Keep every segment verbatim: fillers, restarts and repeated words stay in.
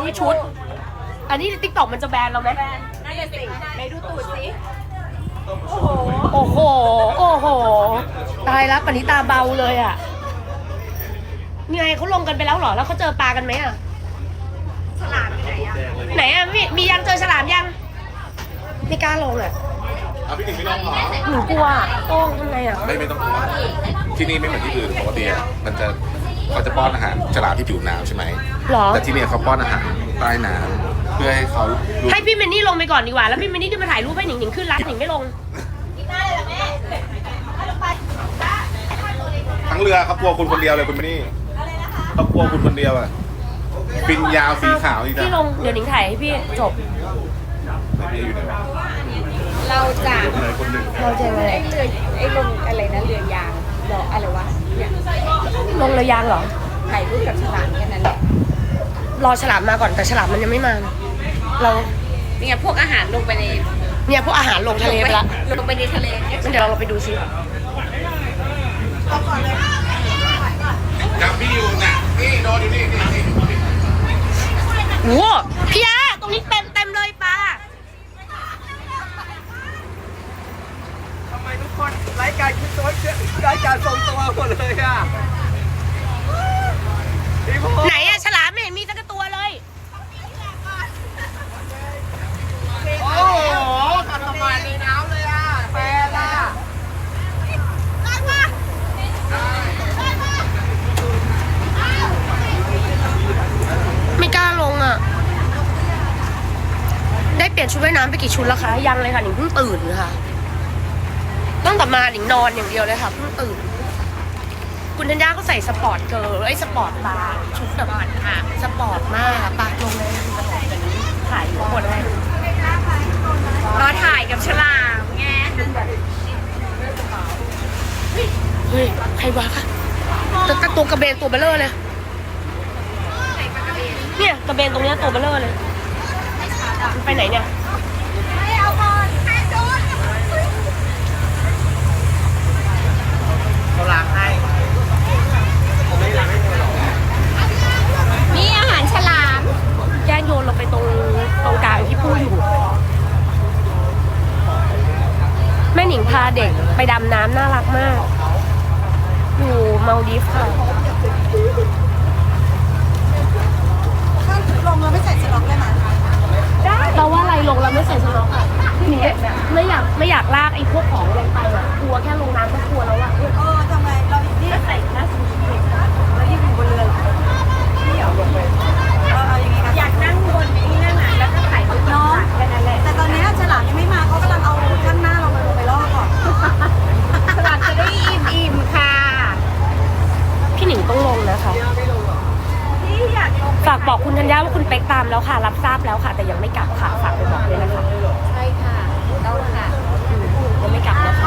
คือชุดอันนี้ติ๊กต็อกมันจะแบนเราไหมแบนน่าจะสิไหนดูตูดสิโอ้โหโอ้โหโอ้โหตายแล้วปณิตาเบาเลยอ่ะไงเขาลงกันไปแล้วเหรอแล้วเขาเจอปลากันไหมอ่ะฉลามอยู่ไหนอ่ะไหนอ่ะมีมียังเจอฉลามยังไม่กล้าลงอ่ะเอาพี่หนิงไม่ต้องหรอหนูกลัวโต้งทำไงอ่ะไม่ไม่ต้องกลัวที่นี่ไม่เหมือนที่อื่นปกติมันจะเขาจะป้อนอาหารฉลามที่ผิวน้ำใช่ไหมหรอแต่ที่นี่เขาป้อนอาหารใต้น้ำเพื่อให้เขาให้พี่เมนนี่ลงไปก่อนดีกว่าแล้วพี่เมนนี่ขึ้นมาถ่ายรูปให้หนิงหนิงขึ้นรัดหนิงไม่ลงทั้งเรือเขากลัวคุณคนเดียวเลยคุณไม่นี่เขากลัวคุณคนเดียวอ่ะปินยาวสีขาวนี่นะพี่ลงเดี๋ยวหนิงถ่ายให้พี่จบพี่อยู่ไหนวะเราจะคนหนึ่งเราจะอะไรไอ้เรือไอ้ลงอะไรนะเรือยางหรออะไรวะเนี่ยลงเรือยางเหรอถ่ายรูปกับฉลามแค่นั้นแหละรอฉลามมาก่อนแต่ฉลามมันยังไม่มาเราเนี่ยพวกอาหารลงไปในเนี่ยพวกอาหารลงทะเลไปละลงไปในทะเลงั้นเดี๋ยวเราไปดูซิจับพี่อยู่น่ะนี่โดนอยู่นี่นี่นี่โอ้พี่อาตรงนี้เต็มเต็มเลยปลาทำไมทุกคนรายการคิดตัวรายการทรงตัวหมดเลยอ่ะไหนอะฉลามไม่เห็นมีสักตัวเลยโอ้โหกัดสมานในน้ำเลยอ่ะแฟนอ่ะไม่กล้าลงอ่ะได้เปลี่ยนชุดว่ายน้ำไปกี่ชุดแล้วคะยังเลยค่ะหนิงเพิ่งตื่นค่ะตั้งแต่มาหนิงนอนอย่างเดียวเลยค่ะเพิ่งตื่นคุณธัญญาก็ใส่สปอร์ตเกิร์ลไอ้สปอร์ตบาร์ชุดแบบค่ะสปอร์ตมากปากลงเลยถ่ายอยู่บนเลยรอถ่ายกับฉลามไงเฮ้ยใครวะคะตัวตัวกระเบนตัวเบลเลอร์เลยเนี่ยกระเบนตรงเนี้ยตัวเบลเลอร์เลยมันไปไหนเนี่ยเขาล้างให้นี่อาหารฉลามแย่โยนลงไปตรงตรงกลางที่พูดอยู่แม่หนิงพาเด็กไปดำน้ำน่ารักมากอยู่มาลดีฟค่ะถ้าลงแล้วไม่ใส่สล็อกได้ไหมได้เราว่าอะไรลงแล้วไม่ใส่สล็อกอ่ะหนิงไม่อยากไม่อยากลากไอ้พวกของลงไปอ่ะกลัวแค่ลงน้ำก็กลัวแล้วอ่ะเออทำไงเราอยู่ที่ใส่หน้าสูงแล้วยิ่งอยู่บนเรือที่อยากลงไปเอาอย่างงี้อยากนั่งบนนี้นั่งไหนแล้วก็ถ่ายรูปน้องแค่นั้นแหละแต่ตอนนี้ฉลามยังไม่มาเขากำลังเอาข้างหน้าเรามาลงไปล่อก่อนฉลามจะได้อิ่มอิ่มค่ะพี่หนิงต้องลงนะคะพี่อยากลงฝากบอกคุณธัญญาว่าคุณเป๊กตามแล้วค่ะรับทราบแล้วค่ะแต่ยังไม่กลับค่ะฝากไปบอกเลยนะคะใช่ค่ะต้องค่ะยังไม่กลับนะคะ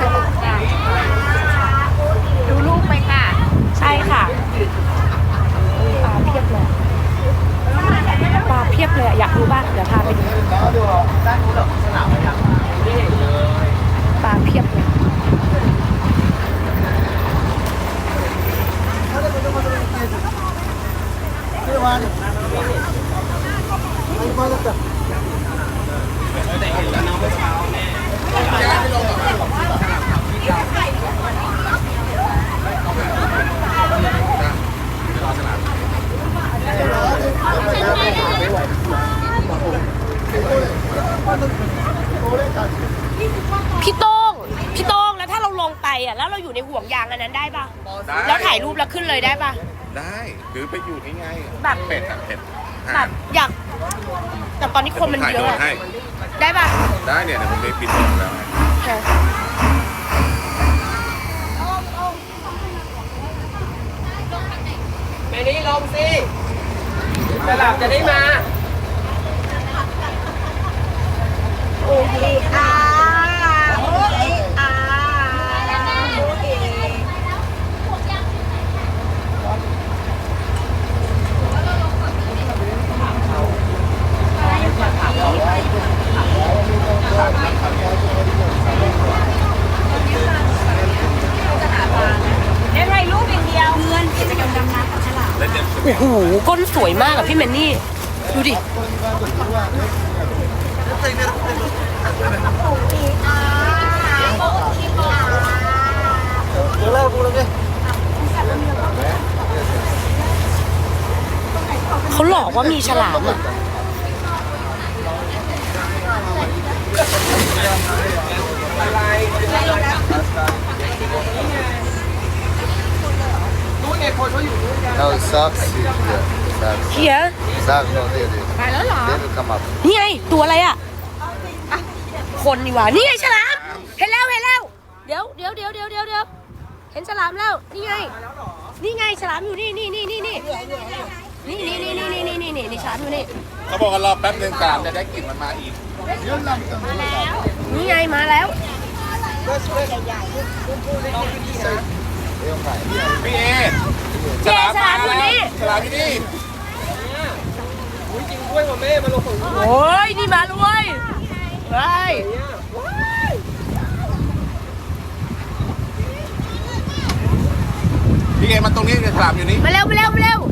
ดูรูปไปค่ะใช่ค่ะปลาเพียบเลยปลาเพียบเลยอยากรู้บ้างเดี๋ยวพาไปดูปลาเพียบเลยพี่โต้งพี่โต้งแล้วถ้าเราลงไปอ่ะแล้วเราอยู่ในห่วงยางอันนั้นได้ป่ะแล้วถ่ายรูปแล้วขึ้นเลยได้ป่ะได้หรือไปอยู่นี่ไงแบบเป็ดอะเป็ดแบบอยากแต่ตอนนี้คนมันเยอะได้ป่ะได้เนี่ยเดี๋ยวผมไปปิดลงแล้วไปนี่ลงสิฉลามจะได้มาโอเคอ่าโอเคอ่าโอเคได้ถ่ายรูปอย่างเดียวเงินกิจกรรมดำน้ำกับฉลามโอ้โหก้นสวยมากอะพี่แมนนี่ดูดิ เขาหลอกว่ามีฉลามอ่ะ No, socks. Yeah, socks. เฮีย Socks, no, they, they, ไปแล้วเหรอ they will come up. นี่ไง ตัวอะไรอ่ะอ่ะ คนดีกว่า นี่ไงฉลาม เห็นแล้วเห็นแล้ว เดี๋ยวเดี๋ยวเดี๋ยวเดี๋ยวเดี๋ยวเดี๋ยวเห็นฉลามแล้ว นี่ไง นี่ไงฉลามอยู่นี่นี่นี่นี่นี่นี่นี่นี่นี่นี่นี่นี่นี่ฉลามอยู่นี่เขาบอกว่ารอแป๊บนึงกามจะได้กลิ่นมันมาอีกนี่ไงมาแล้วพี่เอฉลามมาแล้วฉลามอยู่นี่อุ้ยจริงด้วยว่ะแม่มาลงของโอ้ยนี่มาแล้วเว้ยเฮ้ยพี่เอมาตรงนี้ฉลามอยู่นี่มาเร็วมาเร็วมาเร็ว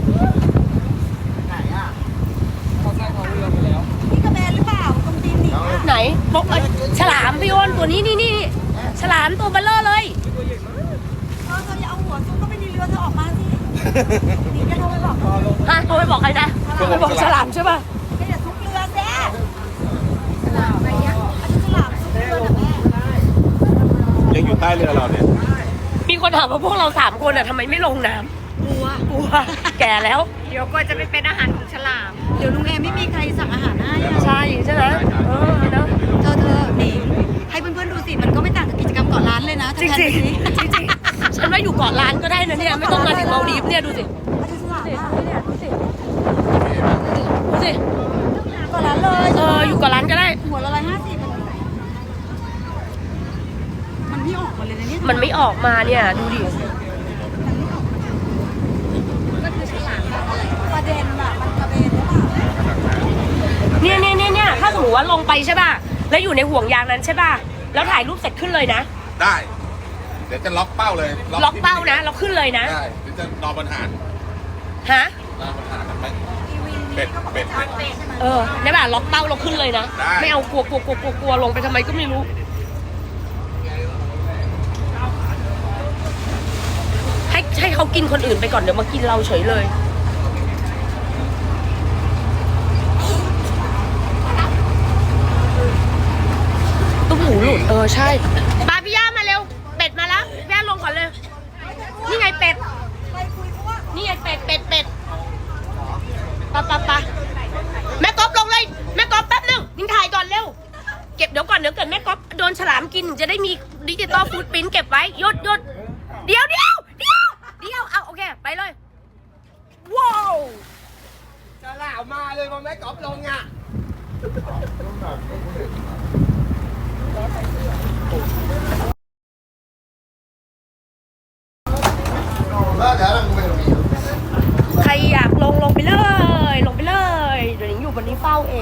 นี่กระเบนหรือเปล่าตรงตีนหนีไหนบอกเอ้ยฉลามพี่โอนตัวนี้นี่นี่ฉลามตัวเบลเลอร์เลยเธอเธออย่าเอาหัวซุกเข้าไปในเรือเธอออกมาสิหนีจะโทรไปบอกเขาฮะโทรไปบอกใครนะไปบอกฉลามใช่ป่ะไม่อย่าซุกเรือแซ่ฉลามอะไรเงี้ยอันนี้ฉลามซุกเรือนะแม่ยังอยู่ใต้เรือเราเนี่ยมีคนถามว่าพวกเราสามคนอ่ะทำไมไม่ลงน้ำกลัวกลัวแก่แล้วเดี๋ยวก็จะไปเป็นอาหารของฉลาม เดี๋ยวลุงแอมไม่มีใครสั่งอาหารให้อะใช่ใช่ไหมเออเนอะเธอเธอนี่ให้เพื่อนๆดูสิ มันก็ไม่ต่างจากกิจกรรมเกาะล้านเลยนะจริงจริงจริงจริงๆฉันว่าอยู่เกาะล้านก็ได้นะเนี่ยไม่ต้องมาถึงมาลดีฟเนี่ยดูสิดูสิดูสิเกาะล้านเลยเอออยู่เกาะล้านก็ได้หัวละร้อยห้าสิบมันไม่ออกมาเลยนะเนี่ยมันไม่ออกมาเนี่ยดูดิประเด็นอะมันกระเบนหรือเปล่าเนี่ยเนี่ยเนี่ยเนี่ยถ้าสมมติว่าลงไปใช่ป่ะแล้วอยู่ในห่วงยางนั้นใช่ป่ะแล้วถ่ายรูปเสร็จขึ้นเลยนะได้ เดี๋ยวจะล็อกเป้าเลยล็อกเป้านะเราขึ้นเลยนะได้เดี๋ยวจะนอนบนหาดฮะนอนบนหาดกันไหมเป็ดเป็ดเป็ดเออได้ป่ะล็อกเป้าเราขึ้นเลยนะได้ไม่เอากลัวกลัวกลัวกลัวกลัวลงไปทำไมก็ไม่รู้ให้ให้เขากินคนอื่นไปก่อนเดี๋ยวมากินเราเฉยเลยตุ้มหูหลุดเออใช่ปาพี่ย่ามาเร็วเป็ดมาแล้วพี่ย่าลงก่อนเลยนี่ไงเป็ดนี่ไงเป็ดเป็ดเป็ดปะปะปะแม่ก๊อฟลงเลยแม่ก๊อฟแป๊บนึงยิงถ่ายก่อนเร็วเก็บเดี๋ยวก่อนเดี๋ยวเกิดแม่ก๊อฟโดนฉลามกินจะได้มีดิจิตอลฟูดปริ้นท์เก็บไว้หยุดหยุดเดี๋ยวเดี๋ยวเดี๋ยวเดี๋ยวเอาโอเคไปเลยว้าวฉลามมาเลยมาแม่กอล์ฟลงอ่ะใครอยากลงลงไปเลยลงไปเลยเดี๋ยวหนิงอยู่บนนี้เฝ้าเอง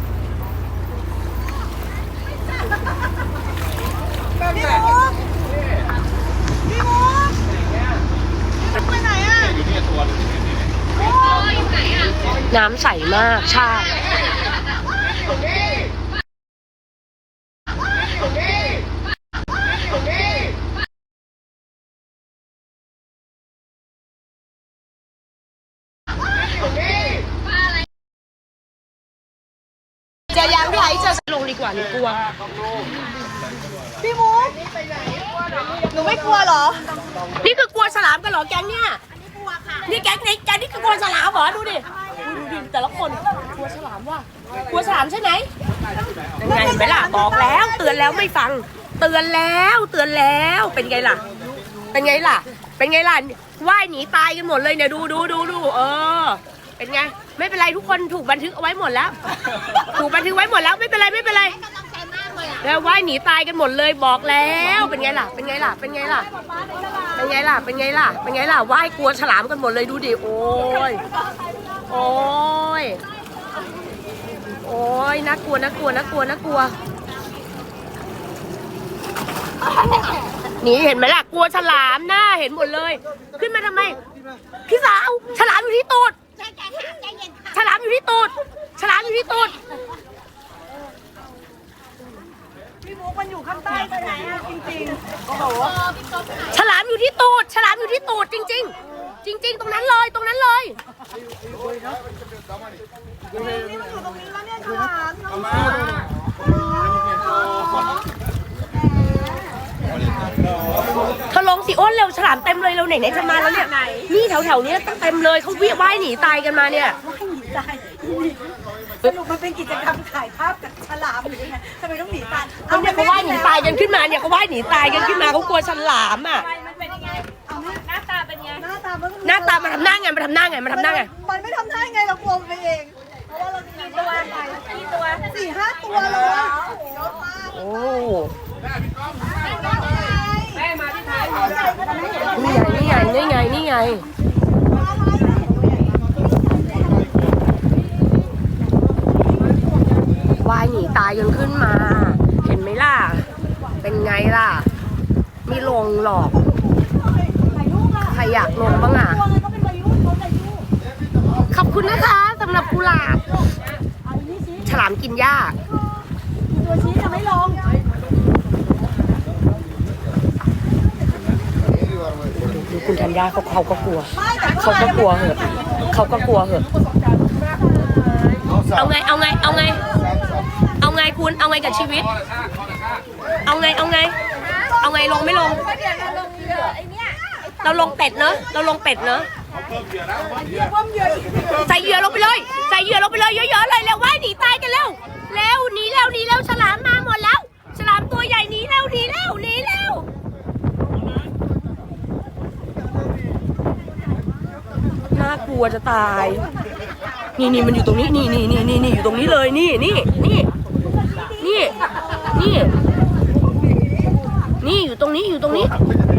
พี่มุกพี่มุกไปไหนอ่ะอยู่นี่ตัวนึงน้ำใสมากใช่เจอยังพี่ไอซ์เจอลงดีกว่าหนูกลัวพี่มุกหนูไม่กลัวเหรอนี่คือกลัวฉลามกันเหรอแก๊งเนี่ยนี่แก๊งนี้แก๊งนี่คือกลัวฉลามเหรอดูดิอุ๊ยดูดิแต่ละคนกลัวฉลามว่ะกลัวฉลามใช่ไหมไงเห็นไหมล่ะบอกแล้วเตือนแล้วไม่ฟัง เตือนแล้วเตือนแล้วเป็นไงล่ะ เป็นไงล่ะ เป็นไงล่ะว่ายหนีตายกันหมดเลยเนี่ยดูดูดูดูเออ เป็นไงไม่เป็นไรทุกคนถูกบันทึกเอาไว้หมดแล้ว ถูกบันทึกไว้หมดแล้วไม่เป็นไรไม่เป็นไรแล้วว่ายหนีตายกันหมดเลยบอกแล้วเป็นไงล่ะ เป็นไงล่ะ เป็นไงล่ะ เป็นไงล่ะ เป็นไงล่ะ เป็นไงล่ะว่ายกลัวฉลามกันหมดเลยดูดิโอ้ยโอ้ยโอ้ยน่ากลัวน่ากลัวน่ากลัวน่ากลัวนี่เห็นไหมล่ะกลัวฉลามหน้าเห็นหมดเลย ขึ้นมาทำไมพี่สาวฉลามอยู่ที่ตูดฉลามอยู่ที่ตูดนี่มันอยู่ตรงนี้แล้วเนี่ยฉลามน้องเธอลงสิอ้นเร็วฉลามเต็มเลยเร็วไหนไหนจะมาแล้วเนี่ยนี่แถวแถวๆนี้ตั้งเต็มเลยเขาวิ่งว่ายหนีตายกันมาเนี่ยว่ายหนีตายสรุปมันเป็นกิจกรรมถ่ายภาพกับฉลามหรือไงทำไมต้องหนีตายเขาเนี่ยเขาว่ายหนีตายกันขึ้นมาเนี่ยเขาว่ายหนีตายกันขึ้นมาเขากลัวฉลามอ่ะมันเป็นยังไงเอาหน้าตาเป็นไงหน้าตามันหน้าตามันทำหน้าไงมันทำหน้าไงมันทำหน้าไงมันไม่ทำได้ไงเรากลัวมันไปเองเพราะว่าเรากี่ตัวกี่ตัวสี่ห้าตัวเลยโอ้แม่มาที่ไทยนี่ไงนี่ไงนี่ไงนี่ไงว่ายหนีตายกันขึ้นมา เห็นไหมล่ะเป็นไงล่ะไม่ลงหรอกใครอยากลงบ้างอ่ะขอบคุณนะคะสำหรับกุหลาบฉลามกินหญ้าตัวชี้จะไม่ลงดูคุณธัญญาเขาเขาก็กลัว เขาก็กลัวเหอะเขาก็กลัวเหอะเอาไงเอาไงเอาไงเอาไงคุณเอาไงกับชีวิต เอาไงเอาไง เอาไงลงไม่ลง เราลงเป็ดเนอะเราลงเป็ดเนอะใส่เหยื่อลงไปเลยใส่เหยื่อลงไปเลยเยอะๆเลยแล้วว่ายหนีตายกันเร็วเร็วหนีเร็วหนีเร็วฉลามมาหมดแล้วฉลามตัวใหญ่หนีเร็วหนีเร็วหนีเร็วน่ากลัวจะตายนี่นี่มันอยู่ตรงนี้นี่นี่นี่นี่นี่อยู่ตรงนี้เลยนี่นี่นี่นี่นี่นี่อยู่ตรงนี้อยู่ตรงนี้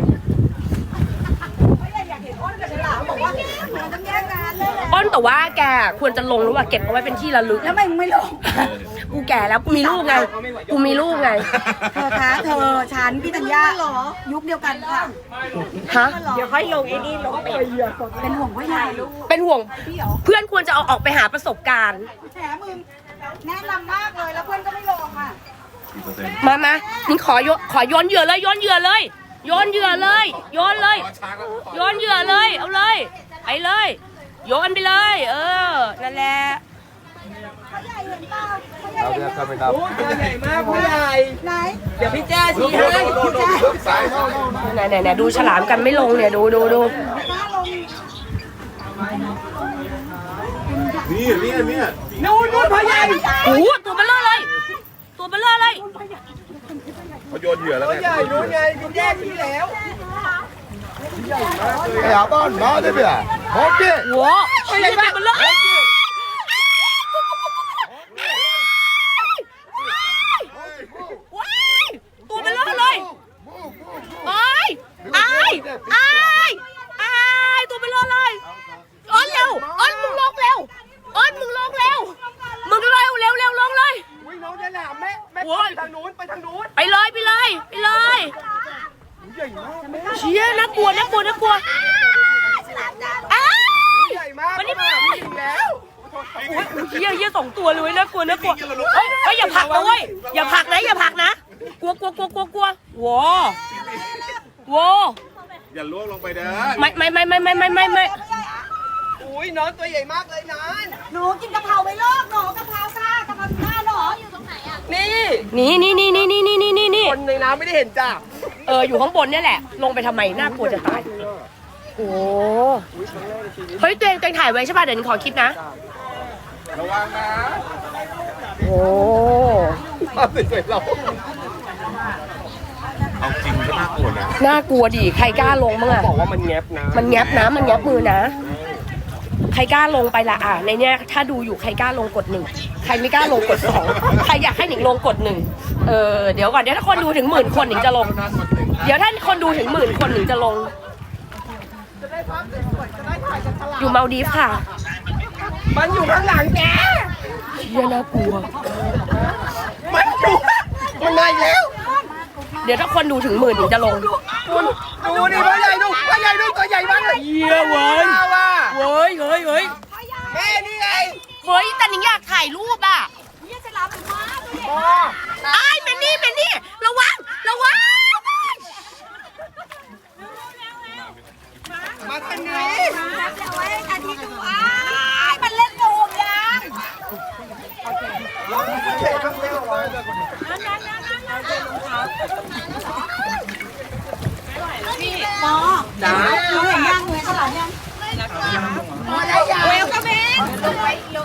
อ้นแต่ว่าแกควรจะลงหรือว่าเก็บเอาไว้เป็นที่ระลึกแล้วทำไมมึงไม่ลงกูแก่แล้วกูมีลูกไงกูมีลูกไงเธอคะเธอฉันพี่ธัญญายุคเดียวกันค่ะฮะเดี๋ยวค่อยลงไอ้นี่ลงไปเหยื่อเป็นห่วงพ่อใหญ่ลูกเป็นห่วงเพื่อนควรจะเอาออกไปหาประสบการณ์แฉมึงแนะนำมากเลยแล้วเพื่อนก็ไม่ลงค่ะมามานี่ขอโยขอโยนเหยื่อเลยโยนเหยื่อเลยโยนเหยื่อเลยโยนเลยโยนเหยื่อเลยเอาเลยไปเลยโยนไปเลย เออนั่นแหละพ่อใหญ่เห็นเปล่าพ่อใหญ่ Now เห็น we are ไหม coming โอ้ up. ตัวใหญ่มากผู้ใหญ่ไหนเดี๋ยวพี่แจ้ชี้ให้ไหนไหนไหนดูฉลามกันไม่ลงเนี่ยดูดูดูป้าลงนี่นี่นี่นู่นนู่นพ่อใหญ่โอ้โหตัวเบลเลอร์เลย ตัวเบลเลอร์เลยเขาโยนเหยื่อแล้วตัวเนี่ยใหญ่นู่นไงพี่แจ้ชี้แล้ว Hey, Aban, now they are. Okay. โว้ตัวใหญ่ตัวเบลเลอร์ตัวเบลเลอร์เลยไอ้ไอ้ไอ้ไอ้ตัวเบลเลอร์เลยอ้อนเร็วอ้อนมึงลงเร็วอ้อนมึงลงเร็วมึงเร็วเร็วเร็วลงเลยวิ่งน้องจะหนามแม่แม่ไปทางนู้นไปทางนู้นไปเลยไปเลยไปเลยใหญ่มากแม่เชี่ยน่ากลัวน่ากลัวน่ากลัวอ้าวใหญ่มากวันนี้มาพี่ยิงแล้วเชี่ยเชี่ยสองตัวเลยน่ากลัวน่ากลัวเฮ้ยเฮ้ยอย่าผลักนะเว้ยอย่าผลักนะอย่าผลักนะกลัวกลัวกลัวกลัวกลัวว้าว้าอย่าล่วงลงไปเด้อไม่ไม่ไม่ไม่ไม่ไม่ไม่ไม่อุ้ยน้องตัวใหญ่มากเลยนานหนูกินกะเพราไปเลิกหนูกะเพราซ่ากะเพราซ่าหรออยู่ตรงไหนอ่ะนี่นี่นี่นี่นี่นี่นี่นี่นี่คนในน้ำไม่ได้เห็นจ้ะเอออยู่ข้างบนเนี่ยแหละลงไปทำไมน่ากลัวจะตายโอ้เฮ้ยตัวเองตัวเองถ่ายไว้ใช่ป่ะเดี๋ยวหนูขอคลิปนะระวังนะโอ้มาสิเราเอาจริงก็น่ากลัวนะน่ากลัวดิใครกล้าลงบ้างอะบอกว่ามันแงบนะมันแงบนะมันแงบมือนะ ใครกล้าลงไปละอ่ะในเนี้ยถ้าดูอยู่ใครกล้าลงกดหนึ่งใครไม่กล้าลงกดสองใครอยากให้หนิงลงกดหนึ่งเออเดี๋ยวก่อนเดี๋ยวถ้าคนดูถึงหมื่นคนหนิงจะลง เดี๋ยวถ้าคนดูถึงหมื่นคนหนิงจะลง อยู่มาลดีฟค่ะมันอยู่ข้างหลังแกเชี่ยน่ากลัวมันอยู่มันมาอีกแล้วเดี๋ยวถ้าคนดูถึงหมื่นหนิงจะลงคุณดูดิพ่อใหญ่ดูพ่อใหญ่ดูตัวใหญ่มากเลยเยี่ยเว้ยว่าเฮ้ยเฮ้ยเฮ้ยแม่นี่ไงเฮ้ยแต่หนิงอยากถ่ายรูปอ่ะเนี่ยจะรับมาตัวใหญ่พ่อไอ้ายแมนนี่แมนนี่ระวังระวังมาทางนี้เดี๋ยวไว้อาทิตย์ดูอ้ายมันเล่นโดมยังโ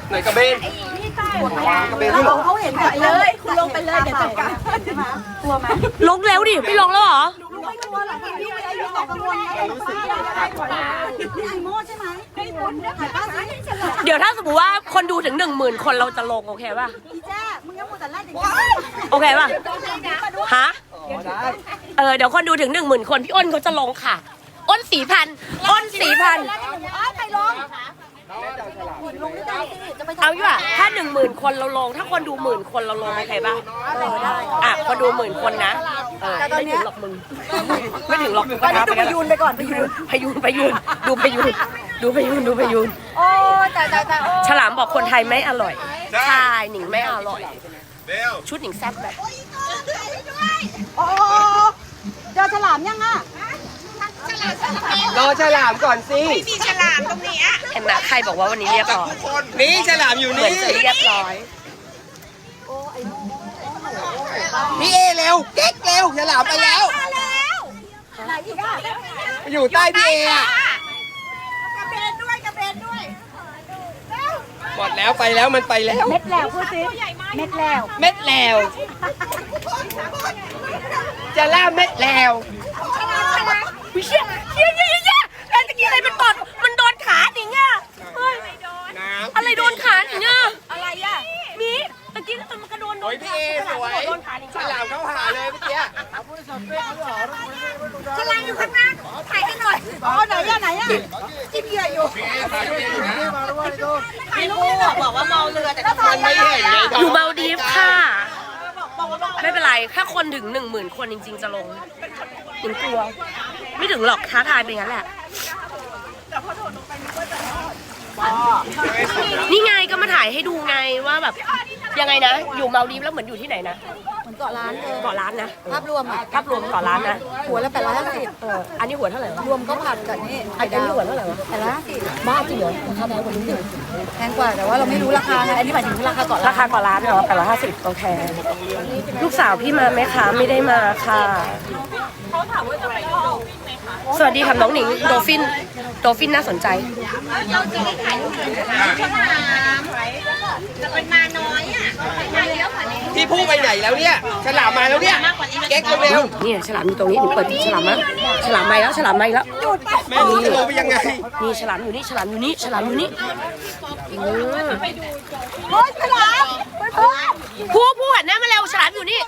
ไหนกระเบนเราบอกเขาเห็นแบบเลยคุณลงไปเลยเดี๋ยวจัดการใช่ไหมกลัวไหมลงแล้วดิไม่ลงแล้วเหรอลุงไม่กลัวหรอกพี่ไม่ได้ตกกังวลไงรู้สึกได้กว่าพี่ไอโม่ใช่ไหมให้บุญถ่ายภาพให้ฉันหน่อยเดี๋ยวถ้าสมมติว่าคนดูถึงหนึ่งหมื่นคนเราจะลงโอเคป่ะอีแจ้มึงยังมัวแต่ไล่อย่างนี้โอเคป่ะฮะเออเดี๋ยวคนดูถึงหนึ่งหมื่นคนพี่อ้นเขาจะลงค่ะ อ้นสี่พันอ้นสี่พันใครลงลงไม่ได้สิจะไปเอาดีกว่าถ้าหนึ่งหมื่นคนเราลง ถ้าคนดูหมื่นคนเราลงโอเคป่ะเออได้อ่ะคนดูหมื่นคนนะเออไม่ถึงหรอกมึงไม่ถึงหรอกตอนนี้ดูพยูนไปก่อนพยูนพยูนพยูนดูพยูนดูพยูนดูพยูนโอ้แต่แต่แต่โอ้ฉลามบอกคนไทยไม่อร่อยใช่หนิงไม่อร่อยเร็วชุดหนิงแซ่บแบบโอ้เจอฉลามยังอ่ะรอฉลามก่อนสิเห็นไหมใครบอกว่าวันนี้เรียบร้อยนี่ฉลามอยู่เหมือนนี่จะเรียบร้อยพี่เอเร็วเก๊กเร็วฉลามไปแล้วไหนอีกอ่ะอยู่ใต้พี่เออะกระเบนด้วยกระเบนด้วยหมดแล้วไปแล้วมันไปแล้วเม็ดแล้วพูดสิเม็ดแล้วเม็ดแล้วจะล่าเม็ดแล้ววิเชียเฮียเฮียเฮียแล้วตะกี้อะไรมันตอดมันโดนขาหนิงอ่ะเฮ้ยน้ำอะไรโดนขาหนิงอ่ะอะไรอ่ะมีตะกี้มันกระโดนโดโอ้ยนพี่เอสวยโดนขาหนิงฉลามเข้าหาเลยเมื่อกี้ฉลามอยู่ข้างหน้าถ่ายกันหน่อยอ๋อไหนอ่ะไหนอ่ะจิ้มเหยื่ออยู่พี่เอถ่ายพี่เออยู่นะถ่ายรูปบอกว่าเมาเรือแต่ก็มันไม่เห็นไงอยู่เมาดีฟค่ะ ไม่เป็นไรถ้าคนถึงหนึ่งหมื่นคนจริง ๆ จะลงหนิงกลัว ไม่ถึงหรอกท้าทายไปงั้นแหละ นี่ไงก็มาถ่ายให้ดูไงว่าแบบยังไงนะ อยู่เมาดีฟแล้วเหมือนอยู่ที่ไหนนะเหมือนเกาะล้านเลยเกาะล้านนะภาพรวมอ่ะภาพรวมเกาะล้านนะหัวละแปดร้อยห้าสิบเอออันนี้หัวเท่าไหร่วะรวมก็ผัดกับนี่อันนี้หัวเท่าไหร่วะแปดร้อยห้าสิบบ้าจริงเหรอราคาแพงกว่านี้ดิแพงกว่าแต่ว่าเราไม่รู้ราคาไงอันนี้หมายถึงราคาเกาะล้านราคาเกาะล้านเหรอแปดร้อยห้าสิบโอเคลูกสาวพี่มาไหมคะไม่ได้มาค่ะสวัสดีค่ะน้องหนิงโดฟินโดฟินน่าสนใจพี่พูดไปไหนแล้วเนี่ยฉลามมาแล้วเนี่ยเก๊กเร็วนี่ฉลามอยู่ตรงนี้หนูเปิดฉลามมาฉลามมาแล้วฉลามมาแล้วๆแม่รู้จะลงไปยังไงนี่ฉลามอยู่นี่ฉลามอยู่นี่ฉลามอยู่นี่อืมโอ๊ยฉลามเฮ้ยผู้ผู้หันหน้ามาเร็วฉลามอยู่นี่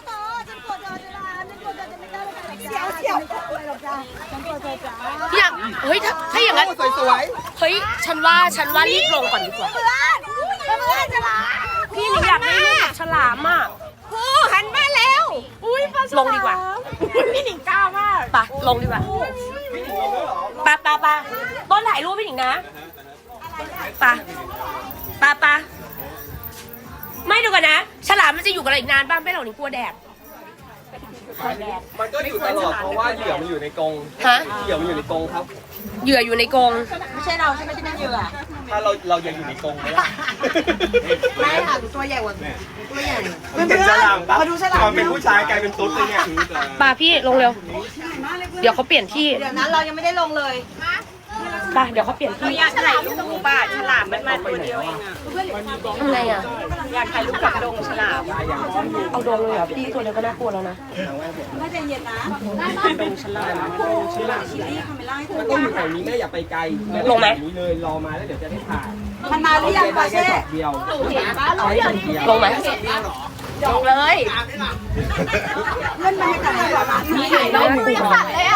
เสียวเสียวอะไรหรอกจ้าฉันกลัวเธอจ้าอยากเฮ้ยถ้าถ้าอย่างนั้นสวยเฮ้ยฉันว่าฉันว่ารีบลงก่อนดีกว่าเพื่อนเพื่อนฉลามพี่หนิงอยากได้รูปกับฉลามอ่ะผู้หันมาแล้วอุ้ยปลาฉลามลงดีกว่าพี่หนิงก้าวมากไปลงดีกว่าปะปะปะต้นถ่ายรูปพี่หนิงนะปะปะปะไม่ดูกันนะ ฉลามมันจะอยู่กับเราอีกนานบ้างไม่หรอกหนิงกลัวแดดๆมันก็อยู่ตลอดเพราะว่าเหยื่อมันอยู่ในกรงฮะเหยื่อมันอยู่ในกรงครับเหยื่ออยู่ในกรงไม่ใช่เราใช่ไหมที่เป็นเหยื่อถ้าเราเรายังอยู่ในกรงไหมล่ะไม่ค่ะตัวใหญ่กว่าตัวใหญ่มันเป็นฉลามปะมาดูฉลามตอนเป็นผู้ชายกลายเป็นตุ๊ดเลยเนี่ยปะพี่ลงเร็ว เดี๋ยวเขาเปลี่ยนที่เดี๋ยวนั้นเรายังไม่ได้ลงเลยปะเดี๋ยวเขาเปลี่ยนที่อยากถ่ายรูปป่ะฉลามมันมาตัวเดียวเองอ่ะทำไงอ่ะอยากถ่ายรูปกับดงฉลามเอาโดนเลยเหรอพี่ตัวเดียวก็น่ากลัวแล้วนะไม่ใจเย็นนะดงฉลามฉลามชิลลี่คาเมล่าให้เธมันอต้องอยู่แถวนี้แม่อย่าไปไกลแม่ลงไหมอยู่นี้เลยรอมาแล้วเดี๋ยวจะได้ถ่ายมันมาหรือยังปาได้แค่เช่ช็อตเดียวเราเห็นลงไหมลงเลยเพื่อนมันไม่ถ่ายแบบนั้นถ่ายได้หมูสัตว์เลยอ่ะ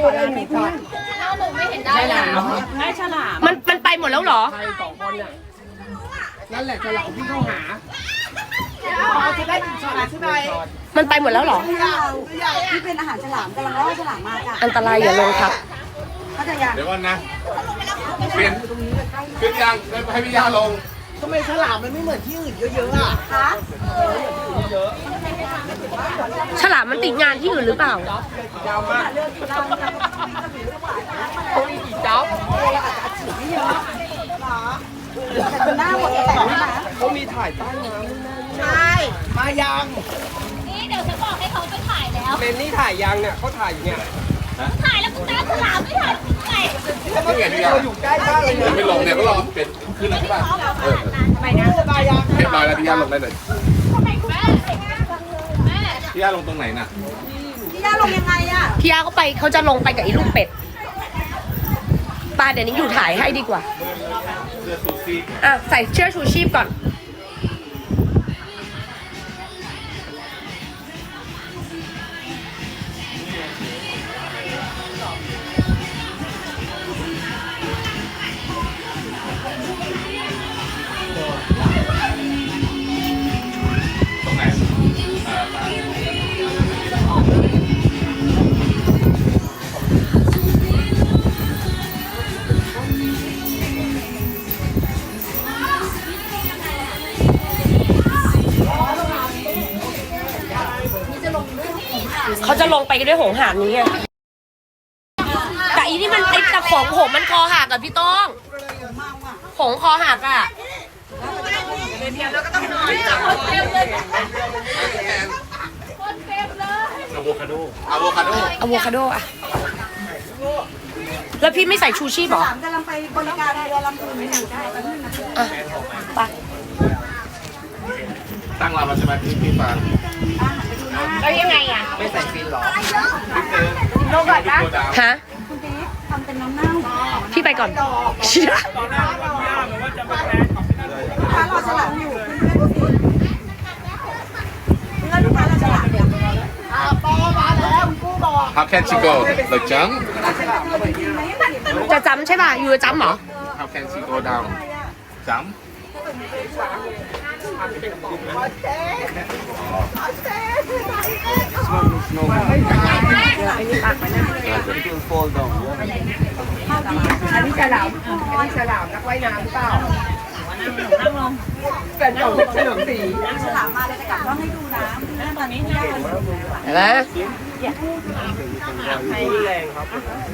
ได้แล้วได้ฉลามมันมันไปหมดแล้วเหรอใครสองคนน่ะนั่นแหละฉลามที่เข้าหาจะได้ถึงฉลามใช่ไหมมันไปหมดแล้วเหรอที่เป็นอาหารฉลามกำลังล่อฉลามมาจ้ะอันตรายอย่าลงครับเขาจะยังเดี๋ยวก่อนนะเปลี่ยนขึ้นยังให้พี่ยาลงทำไมฉลามมันไม่เหมือนที่อื่นเยอะๆอ่ะคะฉลามมันติดงานที่อื่นหรือเปล่ายาวมากจ๊อบแต่หน้าหมดแต่งนะเขามีถ่ายใต้น้ำใช่มายังนี่เดี๋ยวฉันบอกให้เขาไปถ่ายแล้วเมนนี่ถ่ายยังเนี่ยเขาถ่ายอยู่เนี่ยถ่ายแล้วกูตามฉลามไม่ถ่ายไงนี่ไงพี่ยาเราอยู่ใกล้บ้านเลยยังไม่ลงเนี่ยก็รอเปลี่ยนขึ้นแล้วใช่ป่ะเออไปนะเรียบร้อยแล้วพี่ย่าลงได้เลยแม่แม่พี่ย่าลงตรงไหนน่ะพี่ย่าลงยังไงอะพี่ยาเขาไปเขาจะลงไปกับไอ้ลูกเป็ดปลาเดี๋ยวนี้อยู่ถ่ายให้ดีกว่าเสื้อซูซี่อ่ะใส่เชือกชูชีพก่อนตรงไหนอ่ามาเขาจะลงไปกันด้วยหงหางนี้ไงแต่อีนี่มันไอ้ตะของผมมันคอหักอะพี่ต้องหงคอหักอะอะโวคาโดอะโวคาโดอะโวคาโดอะแล้วพี่ไม่ใส่ชูชีพเหรอถามกำลังไปบริการเรือลำพูนอยู่ได้แป๊บนึงนะอ่ะไปตั้งเราแล้วใช่ไหมพี่พี่ฟังแล้วยังไงอะไม่ใส่ฟินหรอลงก่อนนะฮะคุณเจ๊ทำเป็นน้ำเน่าพี่ไปก่อนเชี่ยลูกค้ารอฉลามอยู่เพื่อนลูกค้ารอฉลามอยู่ How can she go like jump จะจำใช่ป่ะอยู่จะจำเหรอ How can she go down jump อันนี้ฉลามอันนี้ฉลามนักว่ายน้ำหรือเปล่าแฟนเก่าเฉลิมศรีฉลามมาเลยจะกลับต้องให้ดูน้ำตอนนี้พี่ย่าเลยเห็นไหมให้แรงครับ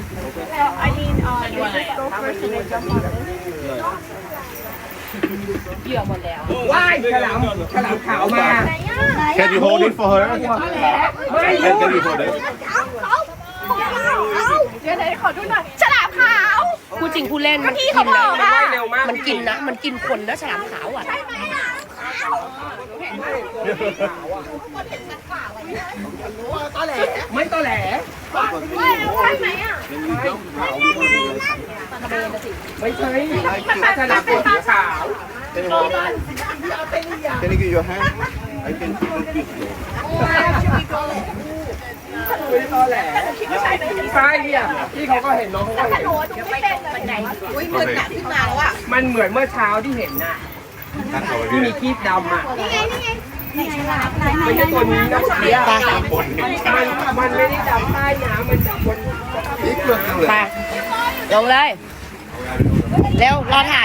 ว่ายฉลามฉลามขาวมา Can you hold it for her Can Can you hold it ฉลามขาวพูดจริงพูดเล่นก็ที่เขาบอกอะว่ายเร็วมากมันกินนะ มันกินคนนะฉลามขาวอ่ะไม่ตอแหลว่ายเร็วใช่ไหมอ่ะไม่ใช่ฉลามตัวสีขาว Can you give your hand? I can keep it quick. ไม่ตอแหลใช่เนี่ยที่เขาก็เห็นน้องเขาก็เห็นอุ้ยมืดหนักขึ้นมาแล้วอ่ะมันเหมือนเมื่อเช้าที่เห็นน่ะตั้งเอาไว้ที่พี่มีครีบดำอ่ะไหนฉลามไหนไหนไม่ไหนใช่ตัวนี้นะเสียไปคนเห็นมันมันไม่ได้ดำใต้น้ำมันดำบนไปลงเลย เร็ว รอถ่าย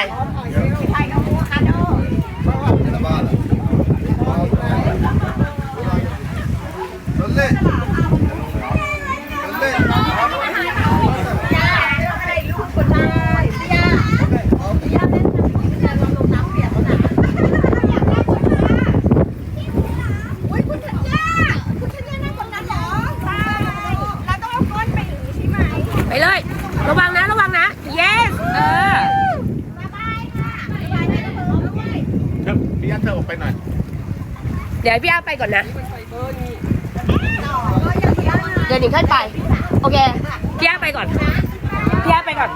Dale. Dale. Đi lên. ระวังนะ ระวังนะ yes เออพี่ย่าเธอออกไปหน่อยเดี๋ยวให้พี่อาไปก่อนนะ เดี๋ยวหนิงค่อยไป โอเค พี่อาไปก่อน พี่อาไปก่อน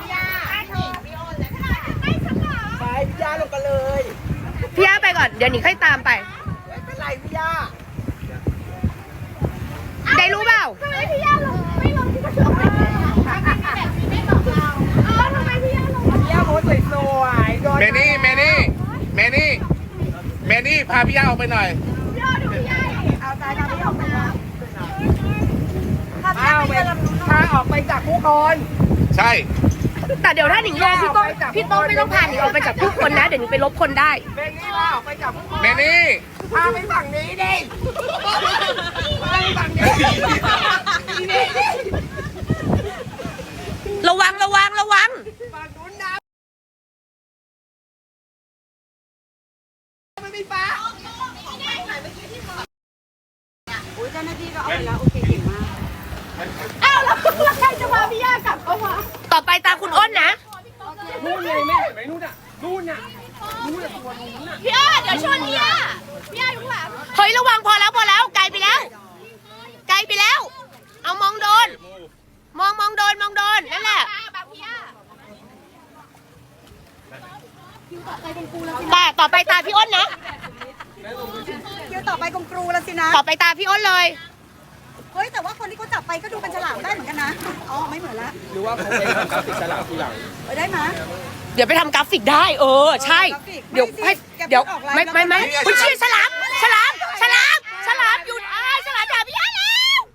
ไปพี่ย่าลงกันเลยพี่อาไปก่อน เดี๋ยวหนิงค่อยตามไปไม่เป็นไรพี่ย่าได้รู้เปล่าทำไมพี่ย่าลงไม่ลงที่กระจกไม่ได้แบบนี้ไม่บอกเราเออทำไมพี่ย่าลงพี่ย่าโพสสวยๆโดนเมนี่เมนี่เมนี่เมนี่พาพี่ย่าออกไปหน่อยย่าดูพี่ย่าเอาตายทำไม่ออกไปแล้วถ้าอ้าวไม่ไปเรือลำพูนพาออกไปจากผู้คนใช่แต่เดี๋ยวถ้าหนิงลงพี่โต้งพี่โต้งไม่ต้องพาหนิงออกไปจากผู้คนนะ เดี๋ยวหนิงไปลบคนได้เมนี่พาออกไปจากผู้คนเมนี่พาไปฝั่งนี้ดิพาไปฝั่งนี้ระวังระวังระวังฝั่งนู้นนะไม่มีฟ้าอุ้ยเจ้าหน้าที่ก็เอาไปแล้ว โอเคเก่งมากอ้าวแล้วใครจะพาพี่ย่ากลับเข้ามาต่อไปตาคุณอ้นนะนู่นเลยแม่เห็นไหมนู่นอ่ะนู่นน่ะนู่นน่ะตัวนู้นน่ะพี่อ้าเดี๋ยวชนพี่อ้าพี่อ้าอยู่ข้างหลังเฮ้ยระวังพอแล้วพอแล้วไกลไปแล้ว ไกลไปแล้ว เอามองโดน มองมองโดนมองโดนนั่นแหละอ้าแบบพี่อ้าแต่ต่อไปตาพี่อ้นนะคิวต่อไปกงกรูแล้วสินะต่อไปตาพี่อ้นเลยเฮ้ยแต่ว่าคนที่เขาจับไปก็ดูเป็นฉลามได้เหมือนกันนะอ๋อไม่เหมือนละหรือว่าเขาเป็นกราฟิกฉลามทีหลังไปได้ไหมเดี๋ยวไปทำกราฟิกได้ เออ ใช่กราฟิกเดี๋ยวไม่ให้สิแกเดี๋ยวพูดออกไลน์ไม่แล้วไม่ไม่ไม่คุณเชี่ยฉลามฉลามฉลามฉลามหยุดอ้ายฉลามด่าพี่อ้าแล้ว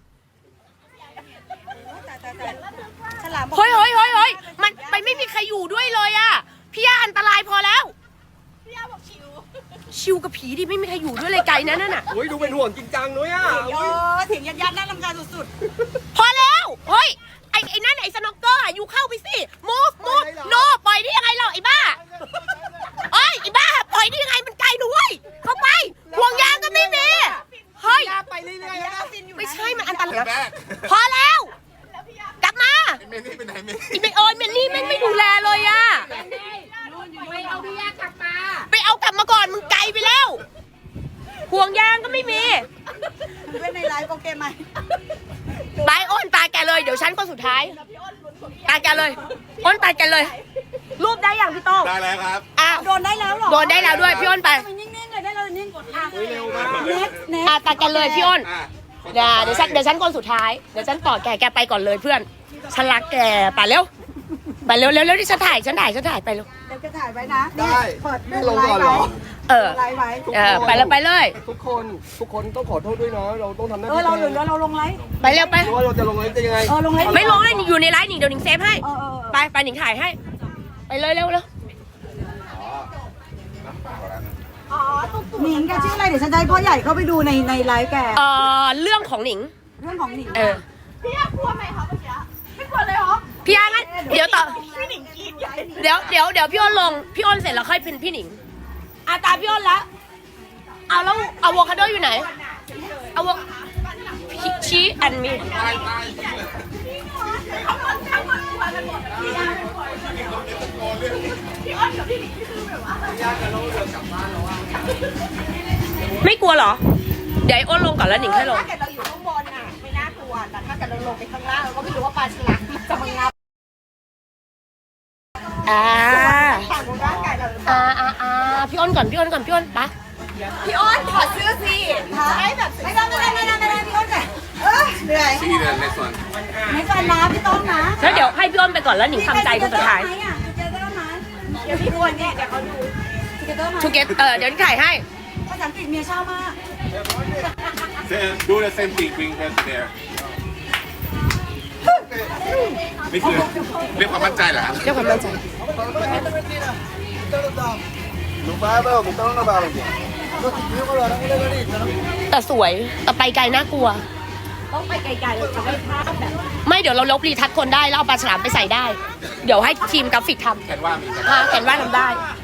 แต่แต่แต่ฉลามบอกเฮ้ยเฮ้ยเฮ้ยเฮ้ยมันไปไม่มีใครอยู่ด้วยเลยอะพี่อ้าอันตรายพอแล้วพี่อ้าบอกชิวชิวกับผีดิไม่มีใครอยู่ด้วยเลยไกลนะนั่นน่ะโอ้ยดูเป็นห่วงจริงจังนุ้ยอ่ะเออถึงยัดยัดน่ารำคาญสุดพอแล้วเฮ้ยไอ้ไอ้นั่นไอ้สโนว์เกอร์อะอยู่เข้าไปสิ move move no ปล่อยได้ยังไงเราไอ้บ้าเอ้ยไอ้บ้าปล่อยได้ยังไงมันไกลด้วยเข้าไปห่วงยางก็ไม่มีเฮ้ยไปเรื่อยๆนะไม่ใช่มันอันตรายพอแล้ว กลับมาเมนี่ไปไหนเมนี่ไอ้เมโอยเมนนี่แม่งไม่ดูแลเลยอะไปเอาพี่อ้ากลับมาไปเอากลับมาก่อนมึงไกลไปแล้ว ห่วงยางก็ไม่มีๆเพื่อนในไลฟ์โอเคไหมไปอ้นตาแกเลยเดี๋ยวฉันคนสุดท้ายตาแกเลยอ้นตาแกเลย รูปได้อย่างพี่โต้งได้แล้วครับอ่ะโดนได้แล้วเหรอโดนได้แล้วด้วยพี่อ้นไปทำไมนิ่งๆเลยได้เลยนิ่งกดอ่ะเร็วมากเน็ตเน็ตอ่ะตาแกเลยพี่อ้นอ่ะเดี๋ยวเดี๋ยวฉันเดี๋ยวฉันคนสุดท้ายเดี๋ยวฉันต่อแกแกไปก่อนเลยเพื่อนฉันรักแกไปเร็วไปเร็วเร็วเร็วที่ฉันถ่ายฉันถ่ายฉันถ่ายไปเร็วเดี๋ยวจะถ่ายไว้นะได้เปิดไม่ลงก่อนเหรอเออไลฟ์ไว้เออไปเลยไปเลยทุกคนทุกคนต้องขอโทษด้วยเนาะเราต้องทำหน้าเอที่อเราเหลือเราลงไลฟ์ไปเร็วไปหรือว่าเราจะลงไลฟ์จะยังไงเออลงไลฟ์ไม่ลงเลยอยู่ในไลน์หนิงเดี๋ยวหนิงเซฟให้เออเออเออไปไปหนิงถ่ายให้ ไปเลยเร็วเร็วหนิงแกชื่ออะไรเดี๋ยวฉันจะให้พ่อใหญ่เข้าไปดูในในไลฟ์แกเอ่อเรื่องของหนิงเรื่องของหนิงเออพี่อ้ากลัวไหมคะเมื่อกี้ไม่กลัวเลยเหรอพี่อางั้นเดี๋ยวต่อพี่หนิงกรีดใหญ่เดี๋ยวเดี๋ยวเดี๋ยวพี่อ้นลงพี่อ้นเสร็จแล้วค่อยเป็นพี่หนิงอาตาพี่อ้นละเอาแล้วอะโวคาโดอยู่ไหนอะโวชีแอนมี ไม่กลัวเหรอ เดี๋ยวไอ้อ้นลงก่อนแล้วหนิงค่อยลงถ้าเกิดเราอยู่ข้างบนน่ะไม่น่ากลัว แต่ถ้าเกิดเราลงไปข้างล่างเราก็ไม่รู้ว่าปลาฉลามมันจะมางับอ่าต่างร่างกายเราหรือเปอ่าล่าอ่าอ่าพี่อ้นก่อนพี่อ้นก่อนพี่อ้นปะพี่อ้อนถอดเสื้อสิให้แบบไม่ได้ไม่ได้ไม่ได้ไม่ได้พี่ต้นเลยเออเหนื่อยที่เดินในส่วนไม่ฟันนะพี่ต้นนะแล้วเดี๋ยวให้พี่อ้นไปก่อนแล้วหนิงทำใจคนสุดท้ายไหมอ่ะเจอเตอร์ไหมเดี๋ยวพี่อ้วนเนี่ยเดี๋ยวเขาดูเจอเตอร์ไหมทูเกตเออเดี๋ยวหนิงถ่ายให้ภาษาอังกฤษเมียเช่ามาก do the same thing bring her there นี่คือเรียกความมั่นใจเหรอครับเรียกความมั่นใจ Non vai però che stanno una parola. Io quello non vedo lì, no? แต่สวยแต่ไปไกลน่ากลัวต้องไปไกลๆเราจะไม่พลาดแบบไม่เดี๋ยวเราลบรีทัชคนได้แล้วเอาปลาฉลามไปใส่ได้ เดี๋ยวให้ทีมกราฟิกทำแคนว่ามีอ่าแกนว่าทำได้แ